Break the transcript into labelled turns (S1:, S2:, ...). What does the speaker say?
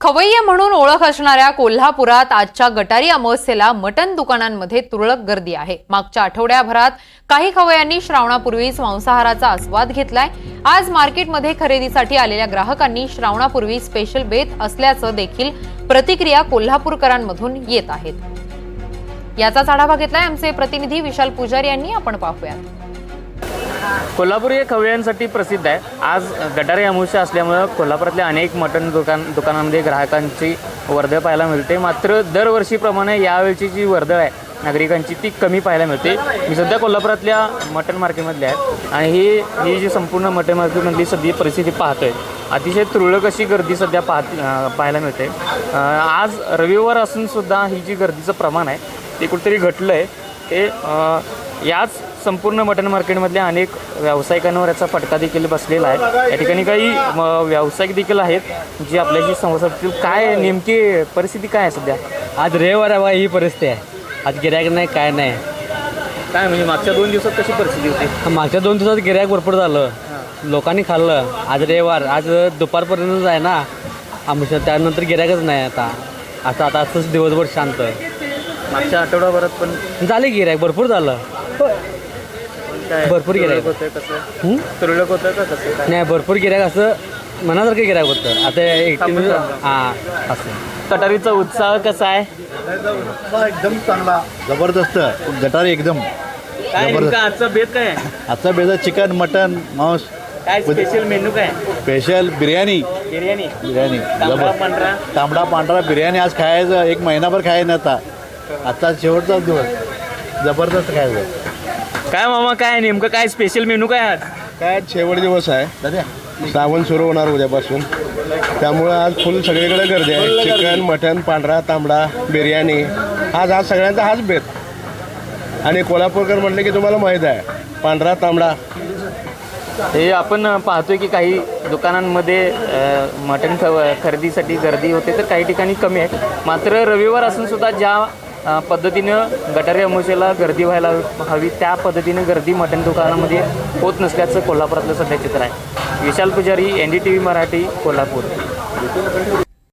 S1: खवय्ये म्हणून ओळख असणाऱ्या कोल्हापुरात आजच्या गटारी अमावस्येला मटण दुकानांमध्ये तुरळक गर्दी आहे। मागच्या आठवड्याभरात काही खवय्यांनी श्रावणापूर्वीच मांसाहाराचा आस्वाद घेतलाय। आज मार्केटमध्ये खरेदीसाठी आलेल्या ग्राहकांनी श्रावणापूर्वी स्पेशल बेत असल्याचं देखील प्रतिक्रिया कोल्हापूरकरांमधून येत आहेत। याचाच आढावा घेतलाय आमचे प्रतिनिधी विशाल पुजारी यांनी। आपण पाहूयात।
S2: कोल्हापूर हे खवय्यांसाठी प्रसिद्ध आहे। आज गटारी अमावस्या असल्यामुळे कोल्हापुरातल्या अनेक मटण दुकानांमध्ये ग्राहकांची वर्दळ पाहायला मिळते। मात्र दरवर्षीप्रमाणे यावेळची जी वर्दळ आहे नागरिकांची ती कमी पाहायला मिळते। मी सध्या कोल्हापुरातल्या मटण मार्केटमधले आहे आणि ही जी संपूर्ण मटण मार्केटमधली सध्या परिस्थिती पाहतोय। अतिशय तुरळक अशी गर्दी सध्या पाहायला मिळते। आज रविवार असून सुद्धा ही जी गर्दीचं प्रमाण आहे ते कुठेतरी घटलं आहे। ते याच संपूर्ण मटण मार्केटमधल्या अनेक व्यावसायिकांवर याचा फटका देखील बसलेला आहे। या ठिकाणी काही व्यावसायिक देखील आहेत जे आपल्याशी संवाद साधतील। काय नेमकी परिस्थिती काय आहे सध्या?
S3: आज रविवार आहे, ही परिस्थिती आहे। आज गिऱ्हाईक नाही, काय नाही।
S2: काय म्हणजे मागच्या 2 दिवसात कशी परिस्थिती होती?
S3: मागच्या 2 दिवसात गिऱ्हाईक भरपूर झालं, लोकांनी खाल्लं। आज रविवार, आज दुपारपर्यंतच आहे ना आमच्या, त्यानंतर गिऱ्हाईकच नाही। आता असंच दिवसभर शांत।
S2: मागच्या आठवड्याभरात पण
S3: झाले गिऱ्हाईक भरपूर झालं, भरपूर गिऱ्हाईक
S2: होतं। कसं तुरळक होतं का कसं काय?
S3: नाही, भरपूर गिऱ्हाईक असं मनासारखं गिऱ्हाईक होतं। आता एक असं
S2: कटारीचा उत्साह कसा आहे?
S4: एकदम चांगला, जबरदस्त गटारी एकदम
S2: काय नेमकं आजचा बेत काय आहे?
S4: आजचा बेजा चिकन, मटन, मांस,
S2: काय स्पेशल मेनू काय?
S4: स्पेशल बिर्याणी
S2: बिर्याणी तांबडा पांढरा
S4: तांबडा पांढरा बिर्याणी आज खायचं, एक महिनाभर खायचं नव्हता। आता शेवटचा दिवस जबरदस्त खायचं।
S2: काय मामा, काय नेमकं काय स्पेशल मेनू काय आज?
S5: काय शेवट दिवस आहे, श्रावण सुरू होणार उद्यापासून, त्यामुळं आज फुल सगळीकडे गर्दी आहे। चिकन, मटन, पांढरा, तांबडा, बिर्याणी, आज सगळ्यांचा हाच बेत। आणि कोल्हापूरकर म्हटलं की तुम्हाला माहीत आहे, पांढरा तांबडा।
S2: हे आपण पाहतोय की काही दुकानांमध्ये मटण खरेदीसाठी गर्दी होते तर काही ठिकाणी कमी आहे। मात्र रविवार असून सुद्धा ज्या पद्धतीनं गटारी अमावस्येला गर्दी व्हायला हवी त्या पद्धतीनं गर्दी मटण दुकानामध्ये होत नसल्याचं कोल्हापुरातलं सध्या चित्र आहे। विशाल पुजारी, NDTV मराठी, कोल्हापूर।